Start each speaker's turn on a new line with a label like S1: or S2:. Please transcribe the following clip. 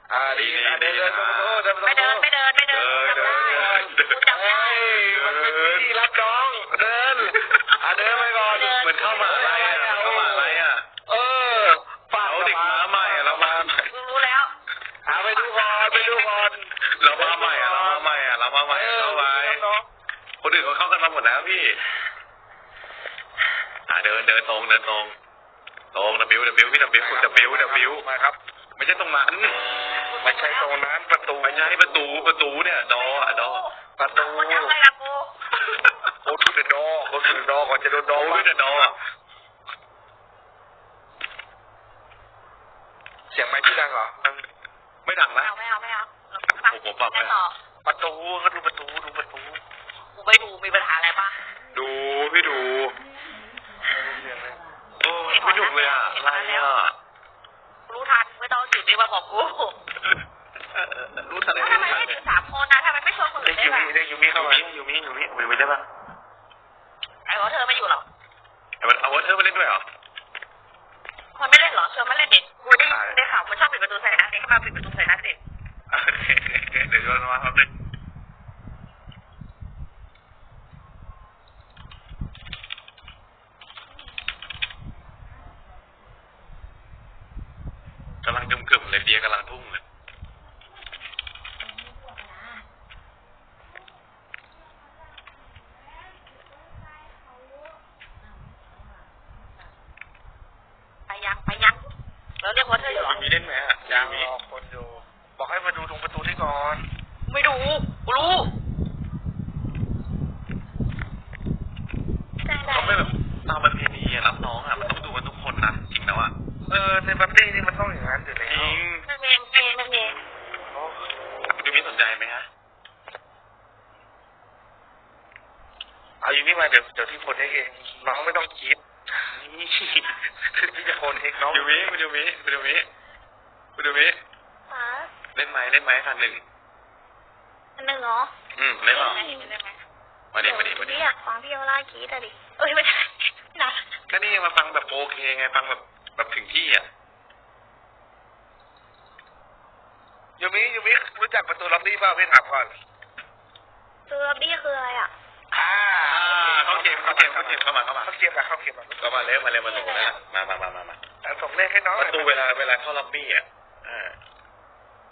S1: ดีเดินไม่เดินจำได้กูจำได้
S2: มันเป็นวิธีรับน้องเดินไปก่อน
S3: เหมือนเข้ามาอะไรเอาเด็กมาใหม่เรามา
S1: รู้แล้ว
S2: ไปดูก่อน
S3: เรามาใหม่เข้าไปคนอื่นเขาเข้ากันมาหมดแล้วพี่เดินตรงWพี่W
S2: มาครับ
S3: ไม่ใช่ตรงนั้นประตูไม่ใช่ประตูเนี่ยดอ
S1: ประตูอะไรล่ะกู
S2: โอ้ทุเดดอก่อนจะโดนดอเสียงไม้ที่ดังเหรอ
S3: ไม่ดังนะ
S1: ไม่เอา
S3: ผมปรับให้
S2: ประตูก็ดูประตู
S1: กูไปดูมีปัญหาอะไรปะ
S3: ดูพี่ดูโอ้ไม่หนุกเลยอะไร
S1: รู้ทันไม่ต้องจุดนี้มาบอกกู
S3: รู้ทันเลย
S1: ทำไมไม่ถึง3 คนนะทำไมไม่ชวนคนอื่นได้
S3: ป่ะยูมิเข้ามายูมิไม่ได้ป่ะ
S1: ไอ้วอเธอไม่อยู่หรอ
S3: เอาวอเธอมาเล่นด้วยเหรอ
S1: มันไม่เล่นหรอชวนมาเล่นเด็กกูได้ข่าวมันชอบปิดประตูใส่นัดเด็กเข้ามาปิดประตูใส่นัดเด็ก
S3: เดี๋ยวชวนมาครับเด็กกำลังกึ่มเลยเดียกำลังทุ่งเลย
S1: ไปยังแล้วเรียกว่าเธออยู่หรอ
S3: มีเล่นไหม
S2: ยังมีคนอยู่บอกให้มาดูตรงประตูที่ก่อน
S1: ไม่ดูกูรู้
S3: เขาไม่แบบตามประเพณีรับน้องมันต้องดูกันทุกคนนะจริงแล้ว
S2: ในปาร์ตี้นี่มันต้องอย่างนั้นอยู่แล้ว
S1: ไม่มี
S3: ยูมิสนใจไหมฮะ
S2: เอายูมิมาเดี๋ยวที่คนเองน้องไม่ต้องคิดที่จะคนเองน้อง
S3: ยูมิคุณยูมิเล่นไหมคันหนึ่ง
S1: เหรอ
S3: เล่นหรอมาดิ
S1: อยากฟังพี่โอล่ากีดดิไม่ใช่นะ
S3: ก็นี่มาฟังแบบโอเคไงฟังแบบถึงที่
S2: ยูมิรู้จักประตูล็อบบี้ป่ะพี่ถามก่อน
S1: ประตูล็อบบี้คืออะไร
S3: เขาเกมเข้ามา
S2: เขาเกมมา
S3: ก็มาเร็วมาส่งนะมา
S2: ส่งเลขให้น้อง
S3: ประตูเวลาเข้าล็อบบี้